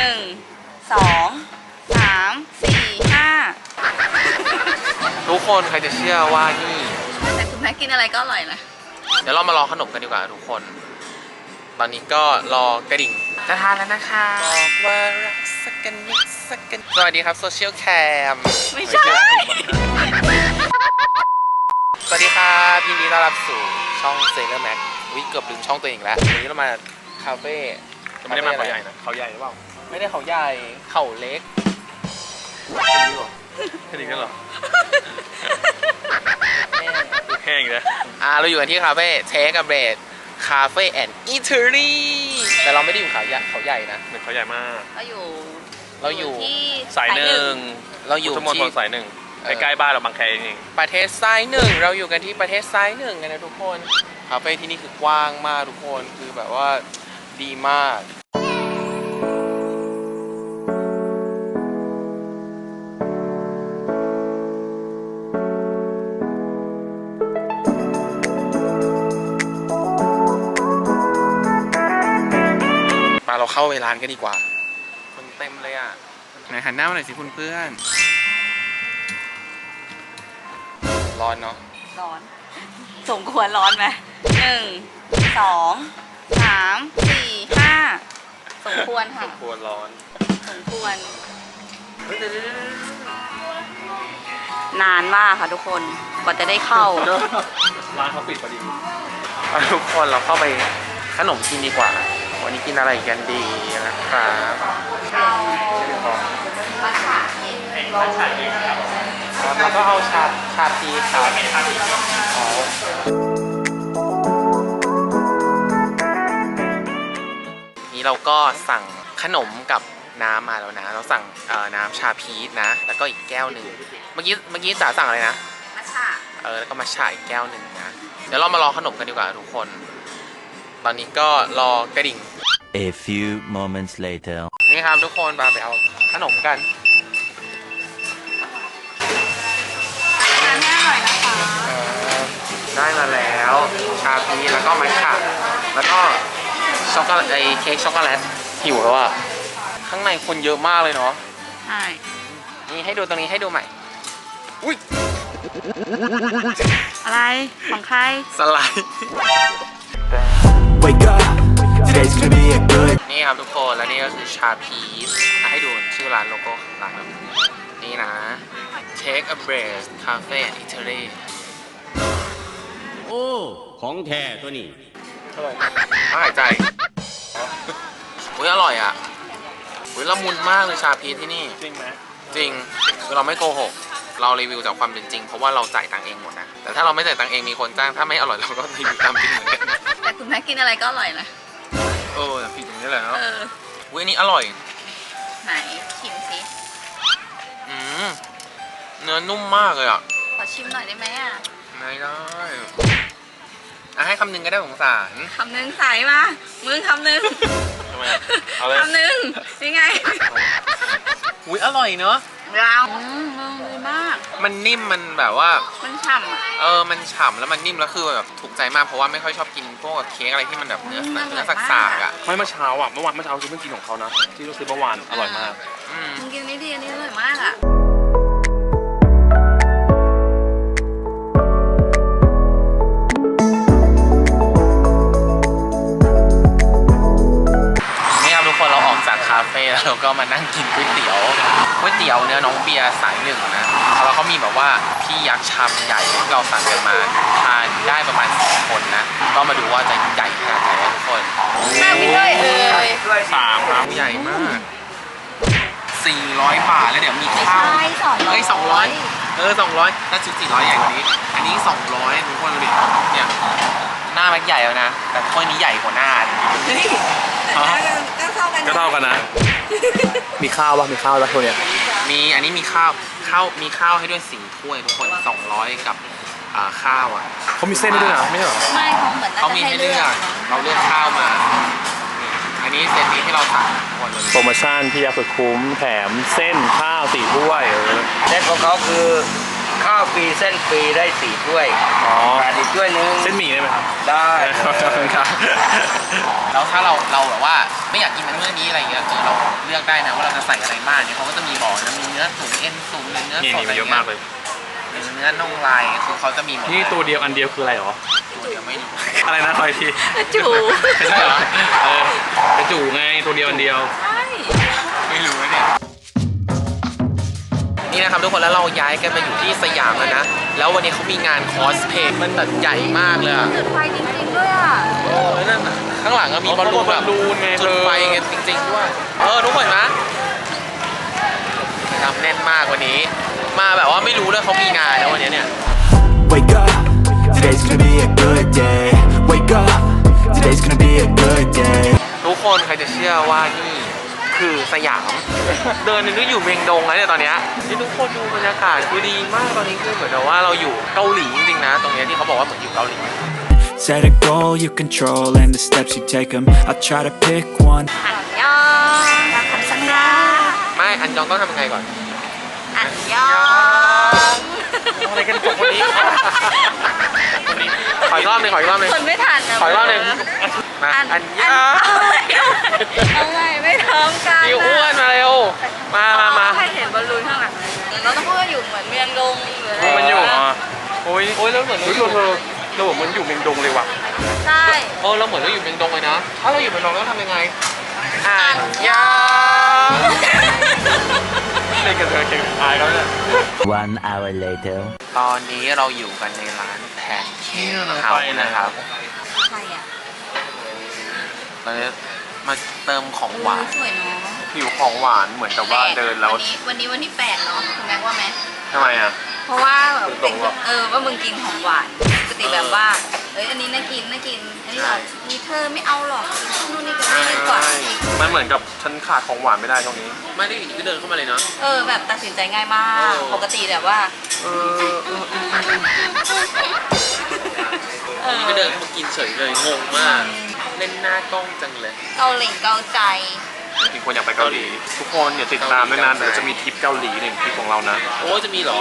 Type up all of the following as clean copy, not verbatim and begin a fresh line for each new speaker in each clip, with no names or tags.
1 2 3 4 5
ทุกคนใครจะเชื่อว่านี่
แต่คุณแม่กินอะไรก็อร่อยนะ
เดี๋ยวเรามารอขนมกันดีกว่าทุกคน ตอนนี้ก็รอกระดิ่งจะทานแล้วนะคะบอกว่ารักสักกันนิดสักกันสวัสดีครับโซเชียลแคม
ไม่ใช่
สวัสดีครับยินดีต้อนรับสู่ช่องเซเลอร์แม็กวิเกือบลืมช่องตัวเองแล้ววันนี้เรามาคาเฟ่
ไม่ได้มาเขาใหญ่นะเขาใหญ่หรือเปล่า
ไม่ได้เขาใหญ่เขาเล็ก
แค่นี้ก็เหรอแห้งเลย
เราอยู่กันที่คาเฟ่เทคกับเบรดคาเฟ่แอนด์อีเทอรี่แต่เราไม่ได้อยู่เขาใหญ่นะ
เหมือนเขาใหญ่มาก
เราอยู่ที่
สายหนึ่ง
เราอยู่
พุทธมณฑ
ที่
ลสายหนึ่งใกล้ๆบ้านเราบางแคเอง
ประเทศซ้ายหนึ่งเราอยู่กันที่ประเทศซ้ายหนึ่งกันนะทุกคนคาเฟ่ที่นี่คือกว้างมากทุกคนคือแบบว่าดีมากมาเราเข้าไปร้านกันดีกว่าคนเต็มเลยอ่ะไหนหันหน้ามาหน่อยสิคุณเพื่อนร้อนเนาะ
ร้อน สมควรร้อนไหม1 2 3 4 5สมควรค่ะ
ควรร้อน
สมควร นานมากค่ะทุกคนกว่าจะได้เข้า
ร้านเขาปิดพอดี
ทุกคนเราเข้าไปขนมกินดีกว่าวันนี้กินอะไรกันดีนะครับแล้วก็เอาชาพีครับนี่เราก็สั่งขนมกับน้ำมาแล้วนะเราสั่งน้ำชาพีชนะแล้วก็อีกแก้วหนึ่งเมื่อกี้จ๋าสั่งอะไรนะ
มัทฉะ
แล้วก็มาฉายแก้วหนึ่งนะเดี๋ยวเรามารอขนมกันดีกว่าทุกคนตอนนี้ก็รอกระดิ่ง
A few moments later
นี่ครับทุกคนมาไปเอาขนมกัน
ทานให้อร่อยนะคะ
ได้มาแล้วชาพีแล้วก็มัทฉะแล้วก็ช็อกโกแลตเค้กช็อกโกแลตหิวแล้วอ่ะข้างในคนเยอะมากเลยเนาะ
ใช่
นี่ให้ดูตรงนี้ให้ดูใหม่อุ้ย
อะไรของใคร
สไลด์
Wake up Today's gonna be a good
นี่ครับทุกคนและนี่ก็คือชาพีชให้ดูชื่อร้านโลโก้ร้านแบบนี่นะ Take a Breath Cafe and Eatery
โอ้ ของแท้ตัวนี้
หายใจอุ้ยอร่อยอ่ะอุ้ยละมุนมากเลยชาพีชที่นี่
จริงไหม
จริงคือเราไม่โกหกเรารีวิวจากความเป็นจริงเพราะว่าเราจ่ายตังค์เองหมดนะแต่ถ้าเราไม่จ่ายตังค์เองมีคนจ้างถ้าไม่อร่อยเราก็รีวิวตามจริงเหมือนกัน
แต่คุณแม่กินอะไรก็อร่อยนะ
แต่ผิดอย่างนี้แหละเนาะ
เออ
อุ้ยอันนี้อร่อย
ไหนชิมสิ
เนื้อนุ่มมากเลยอ่ะ
ขอชิมหน่อยได้ไหมอ่ะ
ไม่ได้ให้คำหนึ่งก็ได้สงสาร
คำหนึ่งใส่มามึงคำหนึ่ง
ทำไมเอาเลย
คำหนึ่งยังไง
อุ้ยอร่อยเนาะ
เรามึงดีมาก
มันนิ่มมันแบบว่า
มันฉ่ำอ่ะ
มันฉ่ำแล้วมันนิ่มแล้วคือแบบถูกใจมากเพราะว่าไม่ค่อยชอบกินพวกเค้กอะไรที่มันแบบเนื้อ
มันอร่
เนื้
อ
อย
มาก
สากๆอ่ะ
ไม่เมื่อเช้าอ่ะเมื่อวานซื้อเพิ่งกินของเขานะที่เราซื้อเมื่อวานอร่อยมาก
มึงกินนี่ดีอันนี้อร่อยมากอ่ะ
นี่ครับทุกคนเราออกจากคาเฟ่แล้วเราก็มานั่งกินก๋วยเตี๋ยวเนื้อน้องเบียร์สายหนึ่งนะแล้วเขามีแบบว่าพี่ยักษ์ชามใหญ่ที่เราสั่งกันมาทานได้ประมาณ2 คนนะก็มาดูว่าจะใหญ่ขนาดไหนนะทุกคน
หน้าพี่ด้วย
3ครับ
ใหญ่มาก400 บาทแล้วเดี๋ยวมีข้าว
ใช่200
เฮ้ย200 200ถ้าชุด400ใหญ่กว่านี้อันนี้200ทุกคนดูดิเนี่ยหน้ามันใหญ่แล้วนะแต่ถ้วยนี้ใหญ่กว่าหน้า
เฮ้ยก็เท่ากัน
ก็เท่ากันนะ มีข้าวป่ะมีข้าวแล้วคนเนี้ย
มีอันนี้มีข้าวให้ด้วย4 ถ้วยทุกคน200กับข้าวอ่ะ
เขามีเส้นให้ด้วยนะไม่ใช่เหรอ
ไม่เขาเหมือน
เขามีให้เลือกเราเลือกข้าวมานี่อันนี้เซตนี้ที่เราสั่งหมดเลย
โปรโมชั่นพี่ยาสุดคุ้มแถมเส้นข้าว4 ถ้วย
เส้นของเขาคือขข้าวฟรีเส้นฟรีได้4 ถ้วย
อ๋อ
ขาดอีกถ้วยนึง
เส้นหมี่ได้ไหมครับ
ได้
ครับ
แล้วถ้าเราแบบว่าไม่อยากกินเมื่อนี้อะไรเงี้ยเราเลือกได้นะว่าเราจะใส่อะไรบ้างเนี่ยเขาก็จะมีบอกนะมีเนื้อตุ๋นเอ็นตุ๋นหรือเนื้อ
นี่
สด
นี่
อะไร
เยอะ
เงี้
มาย กเลย
หรือเนื้อน่องลายคือเขาจะมีหมด
นี่
เลย
ตัวเดียวอันเดียวคืออะไรหรอ
ตัวเดียวไม่รู้
อะไรนะคอยที
จู
ไม่ใช่เหรอ กระจูไงตัวเดียวอันเดียว
ใช่
ไม่รู้นะเนี่ยนี่นะครับทุกคนแล้วเราย้ายกันมาอยู่ที่สยามแล้วนะแล้ววันนี้เขามีงานคอสเพลย์มันแบบใหญ่มากเลยอะ
จุดไฟจริงๆด้วยอ่ะ
โอ้ยนั่นน่ะข้างหลังก็มีบอลลูนแบบ
บอลลูนไง
จุดไฟกันจริงๆด้วยทุกคนนะทำแน่นมากวันนี้ มาแบบว่าไม่รู้เลยเขามีงานนะวันนี้เนี่ย
Wake up, today's gonna be a good day. Wake up, today's gonna be a good day.
ทุกคนใครจะเชื่อว่านี่คือสยาม เดินนึกอยู่เมียงดงแล้วเนี่ยตอนเนี้ยนี่ทุกคนดูบรรยากาศคือดีมากตอนนี้คือเหมือนกับว่าเราอยู่เกาหลีจริงๆนะ ตรงเนี้ยที่เขาบอกว่าเหมือนอยู่เกาหลี
Set a goal you control and the steps you take them. I'll try to pick one.
อันยองคำสัญญา
ไม่อันยองต้องทำยังไงก่อน
อันยอง
อะไรกันจบคนนี้ขออีกรอบหนึงขออีกรอบหนึง
คนไม่ทันนะ
ขออีกรอบหนึงมาอันยอง
เอาไงไม่พร้อมกัน
ดิวอ้วนมาเร็วมา
ให้เห็นบอลลูนข้างหลังเราต้องพูดว่าอยู่เหมือนเมียงดงหรืออะไร
มันอยู่
อ๋อโอ้ยแล้วเหมือน
เฮ้ยเราเหมือนอยู่เมียงดงเลยว่ะ
ใช่
เราเหมือนเราอยู่เมียงดงเลยนะ ถ้าเราอยู่เมียงดงเราต้องทำยังไงอันยอง
เล่นกันเถอะเก่งอายเขาเนี่ย
1 hour later.
ตอนนี้เราอยู่กันในร้านแพนเค้กเฮาส์นะครับ
ใครอ่ะ
เราจะมาเติมของหวาน
สวยเนาะ
หิวของหวานเหมือนกับว่าเดินแล้ว
วันนี้วันที่8เนาะคุณแม็กว่าไหม
ทำไมอ่ะ
เพราะว่าแบบ
ตรงๆหรอ
ว่ามึงกินของหวานปกติแบบว่าอันนี้น่ากินอันนี้แบบนี่เธอไม่เอาหรอกกินนู่นนี่ก็ได้ดีกว่า
มันเหมือนกับฉันขาดของหวานไม่ได้ตรงนี้
ไม่ได้อยู่ก็เดินเข้ามาเลยเนาะ
แบบตัดสินใจง่ายมาก
เออ
ปกติแบบว่า
นี่ก็เดินเข้ามากินเฉยเลยงงมาก เล่นหน้ากล้องจังเลย
เกาหลีเกาใจ
จริงๆควรอยากไปเกาหลี ทุกคนอย่าติดตามด้วยนะเดี๋ยวจะมีทริปเกาหลี1ทริปของเรานะ
โอ้จะมีเหรอ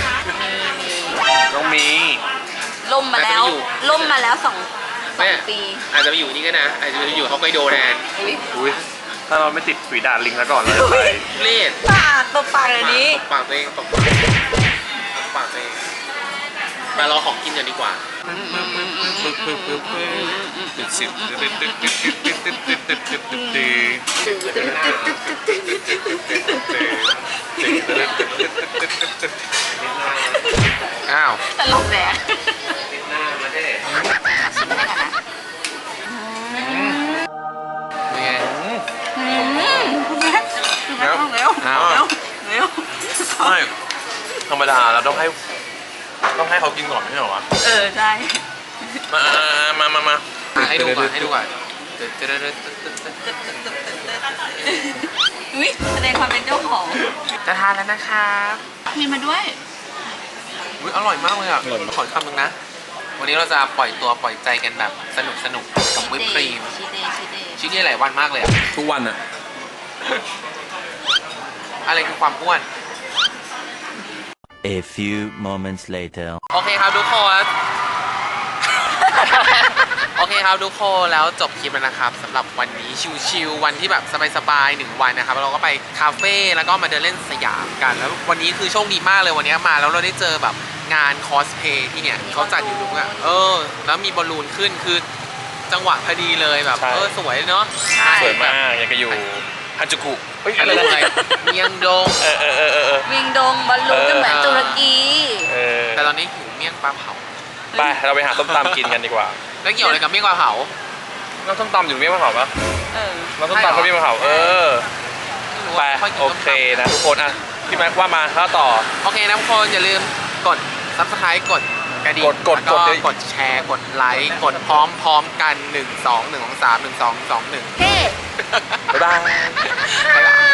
ต้องมี
ล่มมาแล้ว
อาจจะไปอยู่
ล่มมาแล้วสอง
แม่
ปี
อาจจะไปอยู่นี่ก็นะ อาจจะไปอยู่ฮอกไกโดแทน
อุ๊ย
อุ้ยถ้าเราไม่ติดฝีดาดลิงแล้วก่อนเราจะไป
เล่น
ปากตัวปากเลยนี้
ตบปากตัวเองตบปากตัวเองมารอของกินกันดีกว่า อ้าว
ตลกแหละ
หน้ามาได้
ชิมไปก่อนนะ
เป็นไง
คุณแม่เร็ว
อ้าว
เร็ว
ไม่ธรรมดาเราต้องให้เขากินก่อนไม่ใช่เหรอวะ
ใช่
มา
ให้ดูก่อนให้ดูก่อน
อุ๊ยแสดงความเป็นเจ้าของ
จะทานแล้วนะครับ
มีมาด้วย
อุ๊ยอร่อยมากเลยอ่ะขอคำนึงนะ วันนี้เราจะปล่อยตัวปล่อยใจกันแบบสนุกกับวิปครีม
ชีเดย์
ชิ้นนี้หลายวันมากเลยอ่ะ
ทุกวันอะ
อะไรคือความอ้วน
A few moments later.
โอเคครับทุกคน โอเคครับทุกคนแล้วจบคลิปแล้วนะครับสำหรับวันนี้ชิวๆวันที่แบบสบายๆ1 วันนะครับเราก็ไปคาเฟ่แล้วก็มาเดินเล่นสยามกันแล้ววันนี้คือโชคดีมากเลยวันนี้มาแล้วเราได้เจอแบบงานคอสเพลย์ที่เนี่ยเขาจัดอยู่ตรงนั้นแล้วมีบอลลูนขึ้นคือจังหวะพอดีเลยแบบสวยเนาะ
สวยมากอยากจะอยู่ฮันจูกุเฮ้ย
อะ
อะไร ไร
อะไรเมียงดง
เวียงดงบอลลูนก็เหมือนตุรกี
แต่ตอนนี้หิวเมี่ยงปลาเผา
ไปเราไปหาส้มตำกินกันดีกว่า
แล้วเกี่ยวอะไรกับเมี่ยงปลาเผา
น้ำส้มตำอยู่เมี่ยงปลาเผาปะ
เออ
น้ำส้มตำเขาเมี่ยงปลาเผา
ไม่รู้
ไป
ว่าค่อยกิน
โอ
ส้ม
เค
ตำ
นะทุกคนอ่ะพี่แม็กว่ามาข้าต่อ
โอเคนะทุกคนอย่าลืมกด subscribe กดกระดิ่ง
กด
แล้วก็
กด
กดแชร์กดไลค์กดพร้อมกัน1 2 1 2 3 1 2 2 1
เฮ้
บ๊ายบาย
บ๊ายบาย